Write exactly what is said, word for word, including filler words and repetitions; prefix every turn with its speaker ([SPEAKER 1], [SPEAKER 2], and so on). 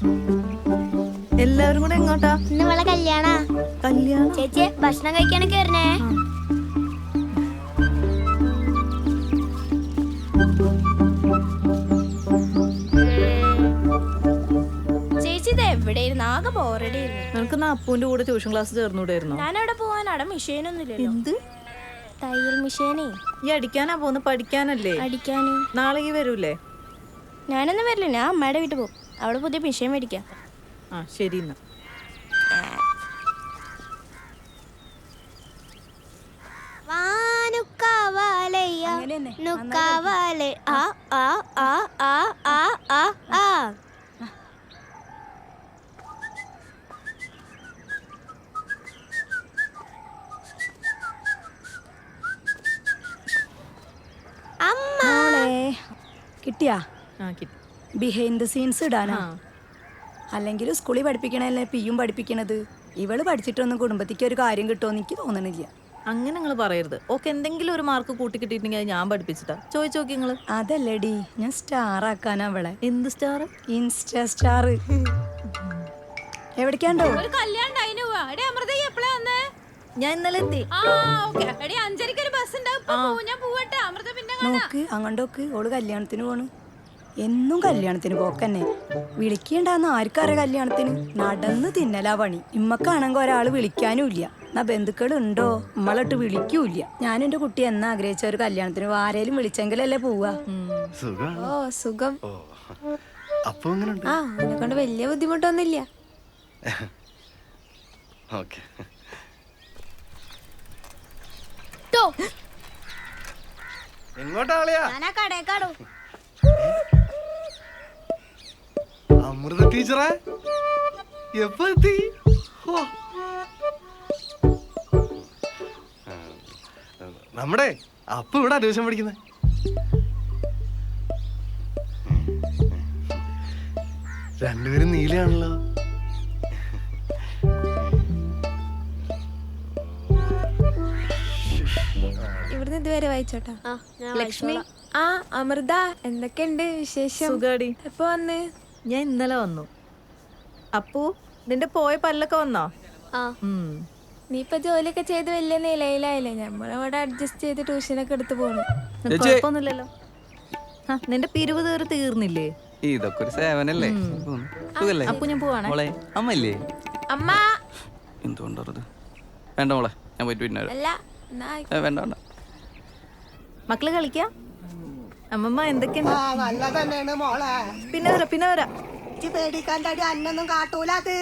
[SPEAKER 1] എല്ലാവരും കൂടെ എങ്ങോട്ടാ?
[SPEAKER 2] ഇന്ന് ഇവളെ കല്യാണ.
[SPEAKER 1] കല്യാണം?
[SPEAKER 2] ചേച്ചി ഭക്ഷണം കഴിക്കാനൊക്കെ വരണേ.
[SPEAKER 3] ചേച്ചി ഇത് എവിടെയായിരുന്നു? ആകെ ബോറടി ആയിരുന്നു.
[SPEAKER 1] നിനക്ക് അപ്പുവിന്റെ കൂടെ ട്യൂഷൻ ക്ലാസ് ചേർന്നൂടായിരുന്നോ?
[SPEAKER 3] ഞാൻ അവിടെ പോവാൻ അവിടെ മെഷീനൊന്നുമില്ലല്ലോ.
[SPEAKER 1] എന്ത്
[SPEAKER 3] തയ്യൽ മെഷീനേ.
[SPEAKER 1] ഈ അടിക്കാനാ പോന്ന്? പഠിക്കാനല്ലേ?
[SPEAKER 3] അടിക്കാന്.
[SPEAKER 1] നാളെ ഈ വരൂലേ?
[SPEAKER 3] ഞാനൊന്നും വരില്ല, ഞാൻ അമ്മയുടെ വീട്ടിൽ പോകും. അവിടെ പുതിയ മെഷീൻ മേടിക്കാം.
[SPEAKER 1] ആ ശരി എന്നാ.
[SPEAKER 2] ആ ആ ആ ആ ആ ആ ആ.
[SPEAKER 4] കിട്ടിയാ?
[SPEAKER 1] ആ കിട്ടി.
[SPEAKER 4] ബിഹൈൻഡ് ദ സീൻസ് ഇടാനാ? അല്ലെങ്കിൽ സ്കൂളിൽ പഠിപ്പിക്കണല്ലേ പിയും പഠിപ്പിക്കണത്? ഇവള് പഠിച്ചിട്ടൊന്നും കുടുംബത്തിക്ക് ഒരു കാര്യം കിട്ടുമെന്ന് എനിക്ക് തോന്നണില്ല.
[SPEAKER 1] അങ്ങനെ നിങ്ങൾ പറയരുത്. ഓക്കെ, എന്തെങ്കിലും ഒരു മാർക്ക് കൂട്ടി കിട്ടിയിട്ടുണ്ടെങ്കിൽ അത് ഞാൻ പഠിപ്പിച്ചിട്ടാ. ചോദിച്ചു നോക്കി നിങ്ങള്.
[SPEAKER 4] അതല്ലടി, ഞാൻ സ്റ്റാർ ആക്കാനാ അവളെ.
[SPEAKER 1] എന്ത് സ്റ്റാർ?
[SPEAKER 4] Insta star. എവിടേക്കാണ്ടോ?
[SPEAKER 1] ഞാൻ ഇന്നലെ എത്തി.
[SPEAKER 4] നോക്ക് അങ്ങോട്ടോക്ക്, ഓള് കല്യാണത്തിന് പോണ്. എന്നും കല്യാണത്തിന് പോക്കന്നെ. വിളിക്കണ്ടാന്ന് ആർക്കറിയാം കല്യാണത്തിന്? നടന്ന് തിന്നലാ പണി. ഇമ്മക്കാണെങ്കിൽ ഒരാള് വിളിക്കാനും ഇല്ല. എന്നാ ബന്ധുക്കളുണ്ടോ നമ്മളട്ട് വിളിക്കൂല്ല. ഞാൻ എന്റെ കുട്ടി എന്നാ ആഗ്രഹിച്ച ഒരു കല്യാണത്തിന് ആരേലും വിളിച്ചെങ്കിലല്ലേ പോവാ.
[SPEAKER 5] ഓ സുഖം. ആ എന്നെ കൊണ്ട് വലിയ ബുദ്ധിമുട്ടൊന്നുമില്ല.
[SPEAKER 6] അമൃത ടീച്ചറെ എപ്പോ എത്തി? നമ്മുടെ അപ്പ ഇവിടെ ട്യൂഷൻ പഠിക്കുന്നേ. രണ്ടുപേരും നീലയാണല്ലോ.
[SPEAKER 5] ഇവിടുന്ന് ഇതുവരെ വായിച്ചോട്ടാ.
[SPEAKER 1] ലക്ഷ്മി.
[SPEAKER 5] ആ അമൃത, എന്തൊക്കെയുണ്ട് വിശേഷം?
[SPEAKER 1] സുഖാടി.
[SPEAKER 5] എപ്പോ വന്ന്?
[SPEAKER 1] ഞാൻ ഇന്നലെ വന്നു. അപ്പു, നിന്റെ പോയ പല്ലൊക്കെ വന്നോ?
[SPEAKER 5] നീ ഇപ്പൊ ജോലിയൊക്കെ ചെയ്ത് വലിയ നിലയിലായില്ലേ? നമ്മളിവിടെ അഡ്ജസ്റ്റ് ചെയ്ത് ട്യൂഷനൊക്കെ എടുത്ത് പോണു.
[SPEAKER 1] കുഴപ്പമൊന്നുമില്ലല്ലോ. നിന്റെ പിരിവ് തീർ തീർന്നില്ലേ?
[SPEAKER 7] ഇതൊക്കെ ഒരു സേവനല്ലേ?
[SPEAKER 1] അപ്പു ഞാൻ പോവാണേ.
[SPEAKER 7] അമ്മല്ലേ?
[SPEAKER 5] അമ്മ
[SPEAKER 7] എന്തുകൊണ്ടത്? വേണ്ട മോളെ, ഞാൻ പോയിട്ട് പിന്നെ
[SPEAKER 5] അല്ല
[SPEAKER 7] വേണ്ട വേണ്ട.
[SPEAKER 1] മക്കള് കളിക്കാം. അമ്മമ്മ എന്തൊക്കെയുണ്ട്?
[SPEAKER 8] നല്ലതന്നെയാണ് മോളെ.
[SPEAKER 1] പിന്നെ വരാം പിന്നെ വരാം.
[SPEAKER 8] പേടിക്കാൻ്റെ അന്നൊന്നും കാട്ടൂല.